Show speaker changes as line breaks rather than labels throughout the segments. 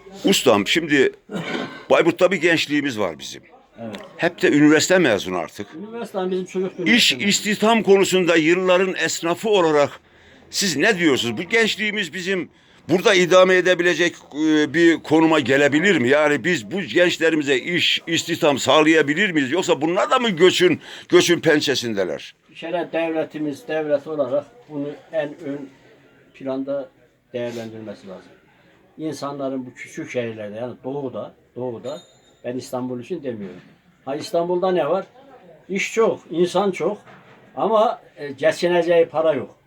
Ustam şimdi Bayburt'ta bir gençliğimiz var bizim.
Evet.
Hep de üniversite mezunu artık.
Üniversiteden bizim çocuk
İş istihdam konusunda yılların esnafı olarak siz ne diyorsunuz? Bu gençliğimiz bizim burada idame edebilecek bir konuma gelebilir mi? Yani biz bu gençlerimize iş, istihdam sağlayabilir miyiz? Yoksa bunlar da mı göçün pençesindeler?
Bir kere devlet olarak bunu en ön planda değerlendirmesi lazım. İnsanların bu küçük şehirlerde yani doğuda ben İstanbul için demiyorum. Ha İstanbul'da ne var? İş çok, insan çok ama geçineceği para yok.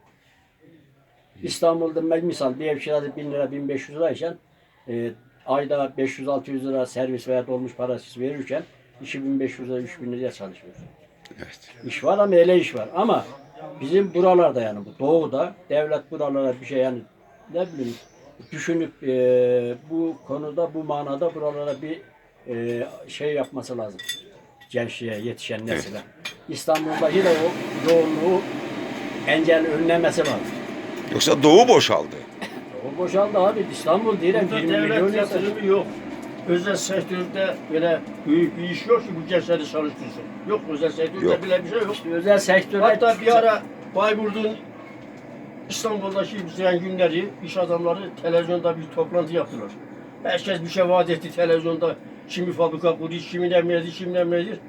İstanbul'da misal bir ev kirası 1000 lira 1500 lirayken ayda 500-600 lira servis veya dolmuş parası verirken 2500 lira 3000 liraya çalışıyor.
Evet.
İş var ama öyle iş var ama bizim buralarda yani bu doğuda devlet buralara bir şey yani ne bileyim düşünüp bu konuda bu manada buralara bir şey yapması lazım. Gençliğe yetişen nesile. Evet. İstanbul'daki de o yoğunluğu önlemesi lazım.
Yoksa Doğu boşaldı.
Doğu boşaldı abi. İstanbul diyelim 20 milyon
yatırımı yok. Özel sektörde böyle büyük bir iş yok ki bu gençleri çalıştırsın. Yok özel sektörde
Yok.
bile bir şey yok.
İşte özel sektörde
Hatta bir ara Bayburt'un İstanbul'daki bütün günleri iş adamları televizyonda bir toplantı yaptılar. Herkes bir şey vaat etti televizyonda. Kimi fabrika kurdu, kimi emredi.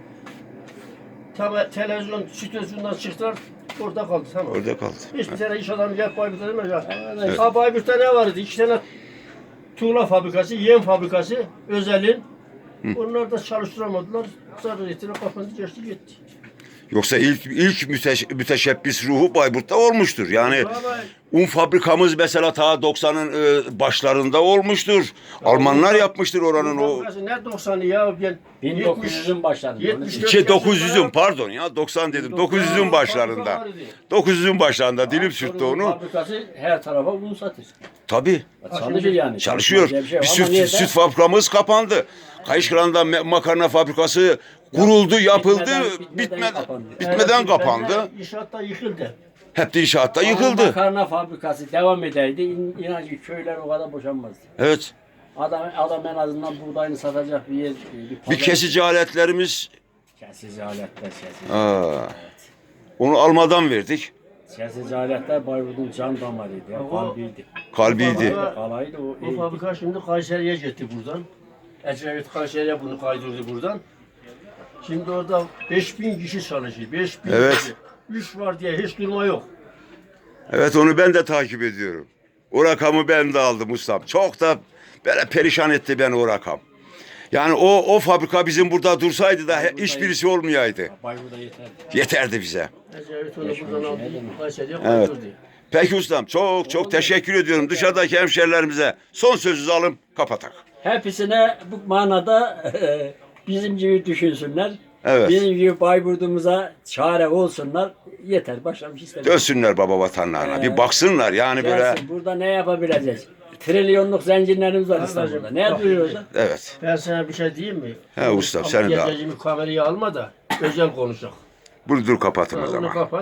Televizyon stüdyosundan çıktılar, orada kaldı tamam.
Orada kaldı.
Hiçbir tane iş adamı gelip Bayburt'a demez ya.
Evet.
Ha Bayburt'ta ne vardı? 2 tane tuğla fabrikası, yem fabrikası, özelin. Onlar da çalıştıramadılar. Zarar ettiler, kapandı, geçti gitti.
Yoksa ilk müteşebbis ruhu Bayburt'ta olmuştur. Yani un fabrikamız mesela ta 90'ın başlarında olmuştur. Almanlar yapmıştır oranın o.
Ne 90'ı ya? Ben
1900'ün başlarında.
900'ün pardon ya 90 dedim. 900'ün başlarında. 900'ün başlarında dilim sürttü onu.
Fabrikası her tarafa un satır.
Tabii.
Çalışır yani.
Çalışıyor.
Şey
Bir süt fabrikamız kapandı. Kayışkıran'da makarna fabrikası kuruldu, yapıldı, bitmeden kapandı.
İnşaatta yıkıldı.
Hep de inşaatta yıkıldı.
Makarna fabrikası devam ederdi. İnan ki köyler o kadar boşanmazdı.
Evet.
Adam en azından buğdayını satacak bir yer.
Bir kesici aletlerimiz.
Kesici aletler.
Onu almadan verdik.
Kesici aletler Bayburt'un can damarıydı. Kalbiydi.
Kalbiydi.
Kalaydı
O fabrika şimdi Kayseri'ye gitti buradan. Ecevit Kayseri'ye bunu kaydırdı buradan. Şimdi orada 5000 kişi çalışıyor. 5000
Evet.
kişi. 3 var diye hiç durma yok.
Evet onu ben de takip ediyorum. O rakamı ben de aldım ustam. Çok da böyle perişan etti beni o rakam. Yani o fabrika bizim burada dursaydı da hiç birisi olmayaydı.
Bayburt'da yeterdi.
Yeterdi bize.
Ecevit onu buradan aldı. Kayseri'ye
Evet.
kaydırdı.
Peki ustam çok teşekkür ediyorum. Dışarıdaki hemşerilerimize son sözünüzü alın kapatak.
Hepsine bu manada bizim gibi düşünsünler.
Evet.
Bizim gibi Bayburt'umuza çare olsunlar. Yeter. Başka bir şey istemiyorum.
Dönsünler baba vatanlarına. Bir baksınlar yani böyle.
Gelsin, burada ne yapabileceğiz? Trilyonluk zincirlerimiz var İstanbul'da. Ne yapıyoruz?
Evet.
Ben sana bir şey diyeyim mi?
He ustam, seni de al.
Kamerayı alma da özel konuşalım.
Bunu dur kapatın o
Onu
zaman.
kapat.